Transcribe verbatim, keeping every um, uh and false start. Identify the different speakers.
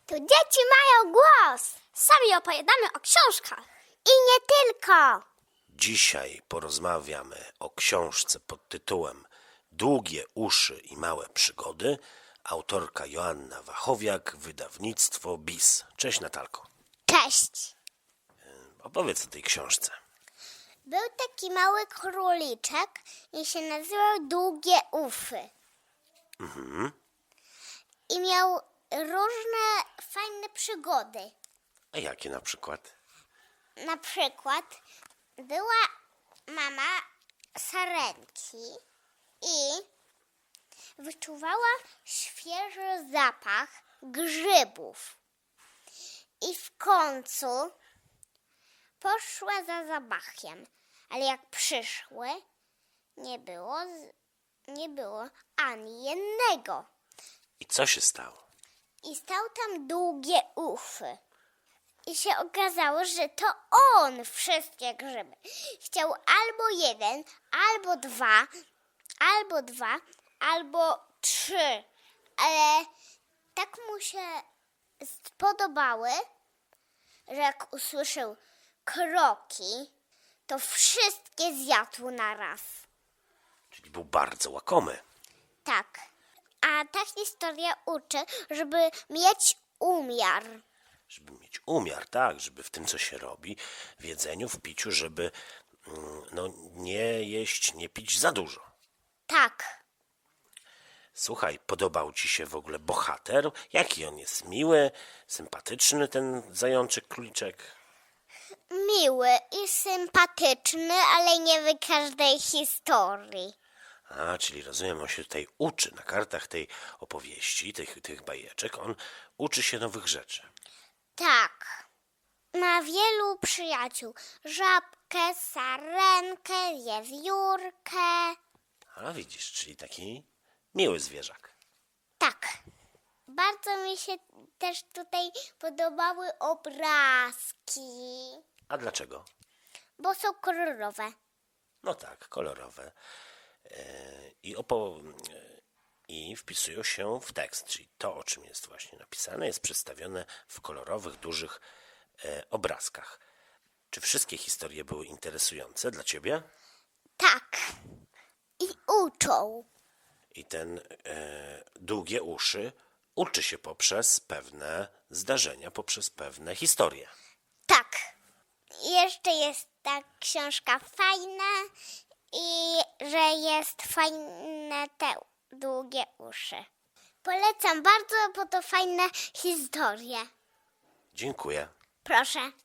Speaker 1: Tu dzieci mają głos. Sami opowiadamy o książkach. I nie tylko.
Speaker 2: Dzisiaj porozmawiamy o książce pod tytułem Długie uszy i małe przygody. Autorka Joanna Wachowiak, wydawnictwo B I S. Cześć Natalko.
Speaker 1: Cześć.
Speaker 2: Opowiedz o tej książce.
Speaker 1: Był taki mały króliczek i się nazywał Długie Ufy.
Speaker 2: Mhm.
Speaker 1: I miał różne fajne przygody.
Speaker 2: A jakie na przykład?
Speaker 1: Na przykład była mama sarenki i wyczuwała świeży zapach grzybów. I w końcu poszła za zapachem, ale jak przyszły, nie było, z- nie było ani jednego.
Speaker 2: I co się stało?
Speaker 1: I stał tam Długie Ufy. I się okazało, że to on wszystkie grzyby. Chciał albo jeden, albo dwa, albo dwa, albo trzy. Ale tak mu się spodobały, że jak usłyszał kroki, to wszystkie zjadł na raz.
Speaker 2: Czyli był bardzo łakomy.
Speaker 1: Tak. A ta historia uczy, żeby mieć umiar.
Speaker 2: Żeby mieć umiar, tak, żeby w tym, co się robi, w jedzeniu, w piciu, żeby mm, no, nie jeść, nie pić za dużo.
Speaker 1: Tak.
Speaker 2: Słuchaj, podobał ci się w ogóle bohater? Jaki on jest? Miły, sympatyczny ten zajączek, króliczek?
Speaker 1: Miły i sympatyczny, ale nie w każdej historii.
Speaker 2: A, czyli rozumiem, on się tutaj uczy na kartach tej opowieści, tych, tych bajeczek. On uczy się nowych rzeczy.
Speaker 1: Tak. Ma wielu przyjaciół. Żabkę, sarenkę, wiewiórkę.
Speaker 2: A widzisz, czyli taki miły zwierzak.
Speaker 1: Tak. Bardzo mi się też tutaj podobały obrazki,
Speaker 2: A dlaczego?
Speaker 1: bo są kolorowe.
Speaker 2: No tak, kolorowe. E, I, opo- e, I wpisują się w tekst, czyli to, o czym jest właśnie napisane, jest przedstawione w kolorowych, dużych e, obrazkach. Czy wszystkie historie były interesujące dla ciebie?
Speaker 1: Tak. I uczą.
Speaker 2: I ten e, długie uszy uczy się poprzez pewne zdarzenia, poprzez pewne historie.
Speaker 1: Tak. Jeszcze jest ta książka fajna i że jest fajne te długie uszy. Polecam bardzo, bo to fajne historie.
Speaker 2: Dziękuję.
Speaker 1: Proszę.